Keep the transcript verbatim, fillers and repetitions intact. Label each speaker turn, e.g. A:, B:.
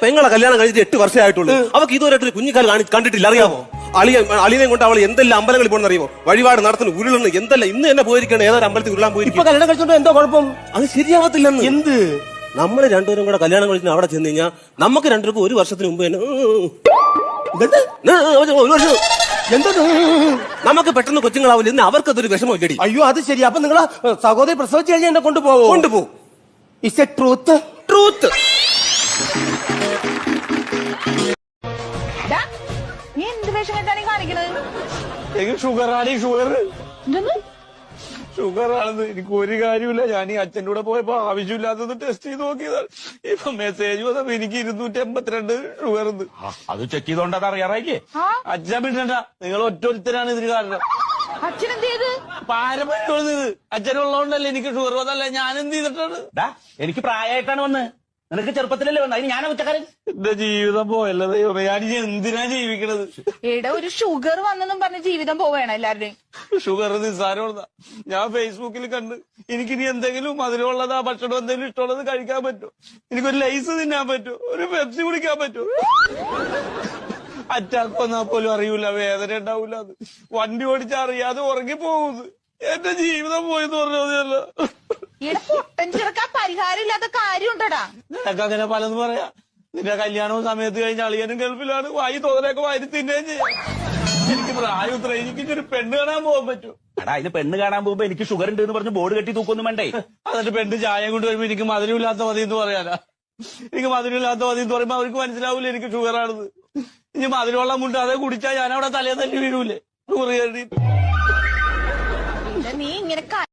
A: പെങ്ങളെ കല്യാണം കഴിച്ചിട്ട് എട്ട് വർഷമായിട്ടുള്ളൂ. അവർക്ക് ഇതുവരെയായിട്ട് ഒരു കുഞ്ഞിക്കാൽ കണ്ടിട്ടില്ല, അറിയാമോ? അളിയ അളിയനെ കൊണ്ട് അവൾ എന്തെല്ലാം അമ്പലങ്ങളിൽ പോകണമെന്ന് അറിയുമോ? വഴിപാട് നടത്തുന്നു, ഉരുളുന്നു, എന്തെല്ലാം. ഇന്ന് തന്നെ പോയിരിക്കണം, ഏതൊരു അമ്പലത്തിൽ ഉരുളാൻ പോയിരിക്കും.
B: കല്യാണം കഴിച്ചോണ്ട് എന്തോ കുഴപ്പം?
A: അത് ശരിയാവത്തില്ലെന്ന്.
B: എന്ത്?
A: നമ്മള് രണ്ടുപേരും കൂടെ കല്യാണം കഴിച്ചിട്ട് അവിടെ ചെന്ന് കഴിഞ്ഞാൽ നമുക്ക് രണ്ടുപേർക്കും ഒരു വർഷത്തിന് മുമ്പ് തന്നെ ഒരു വർഷം
B: എന്താ
A: നമുക്ക് പെട്ടെന്ന് കൊച്ചുങ്ങളാവില്ല. ഇന്ന് അവർക്കതൊരു വിഷമം ഇല്ലടി.
B: അയ്യോ അത് ശരി. അപ്പൊ നിങ്ങളെ സഹോദരി പ്രസവിച്ചു കഴിഞ്ഞാൽ എന്നെ കൊണ്ടുപോകും?
A: കൊണ്ടുപോകും.
B: Is a truth?
A: ട്രൂത്ത്.
C: നീ എന്ത് വേഷം കെട്ടാണ് കാണിക്കണത്?
D: എനിക്ക് ഷുഗറാണ്. ഷുഗർ
C: എന്തെന്ന്?
D: ഷുഗറാണെന്ന് എനിക്ക് ഒരു കാര്യമില്ല. ഞാൻ ഈ അച്ഛൻ്റെ കൂടെ പോയപ്പോ ആവശ്യമില്ലാത്തത് ടെസ്റ്റ് ചെയ്ത് നോക്കിയതാണ്. ഇപ്പൊ മെസ്സേജ് വന്നപ്പോ എനിക്ക് ഇരുന്നൂറ്റി എൺപത്തിരണ്ട് ഷുഗർ ഉണ്ട്. അത് ചെക്ക് ചെയ്തോണ്ട് അത് അറിയാറായില്ലേ? അച്ഛൻ പിന്നണ്ട, നിങ്ങൾ ഒറ്റൊരുത്തരാണ് ഇതിന് കാരണം.
C: അച്ഛനെന്ത് ചെയ്ത്?
D: പാരമ്പര്യം ഇത് അച്ഛനുള്ളതുകൊണ്ടല്ലേ എനിക്ക് ഷുഗർ വന്നല്ലേ. ഞാൻ എന്ത് ചെയ്തിട്ടാണ്?
E: എനിക്ക് പ്രായമായിട്ടാണ് വന്ന്, നിനക്ക് ചെറുപ്പത്തിലല്ലേ വന്നത്. അതിന് ഞാനാ കുറ്റക്കാരൻ.
D: എന്റെ ജീവിതം പോയല്ലോ ദൈവമേ. ഞാൻ ഇനി എന്തിനാ ജീവിക്കണത്?
C: എടാ, ഒരു ഷുഗർ വന്നെന്നും പറഞ്ഞ് ജീവിതം പോവേണം എല്ലാവരുടെയും.
D: ഷുഗർ നിസ്സാരമുള്ളതാ. ഞാൻ ഫേസ്ബുക്കിൽ കണ്ട് എനിക്കിനി എന്തെങ്കിലും മധുരമുള്ളതാ ഭക്ഷണം എന്തെങ്കിലും ഇഷ്ടമുള്ളത് കഴിക്കാൻ പറ്റുമോ? എനിക്കൊരു ലൈസ് തിന്നാൻ പറ്റുമോ? ഒരു പെപ്സി കുടിക്കാൻ പറ്റുമോ? അറ്റാക്ക് വന്നാൽ പോലും അറിയൂല, വേദന ഉണ്ടാവൂല. അത് വണ്ടി ഓടിച്ചാ അറിയാതെ ഉറങ്ങി പോകുന്നത്. എന്റെ ജീവിതം പോയെന്ന് പറഞ്ഞതല്ല.
C: ഇവിടെ പൊട്ടൻ ചെറുക്കാൻ പരിഹാരം ഇല്ലാത്ത കാര്യം ഉണ്ടടാ.
D: നിനക്ക് അങ്ങനെ പലതും പറയാ. നിന്റെ കല്യാണവും സമയത്ത് കഴിഞ്ഞ അളിയനും ഗൾഫിലാണ്. വായി തോന്നലൊക്കെ വാരി തിന്നുകയും ചെയ്യാം. എനിക്ക് പ്രായം ഇത്ര, എനിക്ക് ഒരു പെണ്ണ് കാണാൻ പോകാൻ പറ്റും.
E: എടാ, അതിന് പെണ്ണ് കാണാൻ പോകുമ്പോ എനിക്ക് ഷുഗർ ഉണ്ട് എന്ന് പറഞ്ഞ് ബോർഡ് കെട്ടി തൂക്കൊന്നും വേണ്ടേ?
D: എന്നിട്ട് പെണ്ണ് ചായ കൊണ്ട് വരുമ്പോ എനിക്ക് മധുരമില്ലാത്ത മതി എന്ന് പറയാനാ. എനിക്ക് മധുരമില്ലാത്ത മതി എന്ന് പറയുമ്പോ അവർക്ക് മനസ്സിലാവൂല എനിക്ക് ഷുഗറാണെന്ന്. ഇനി മധുരമുള്ള മുണ്ട് അതേ കുടിച്ചാൽ ഞാൻ അവിടെ തലേ തല്ലി വീഴൂലേ? ഷുഗർ കയറിയിട്ട്
C: നീ ഇങ്ങനെ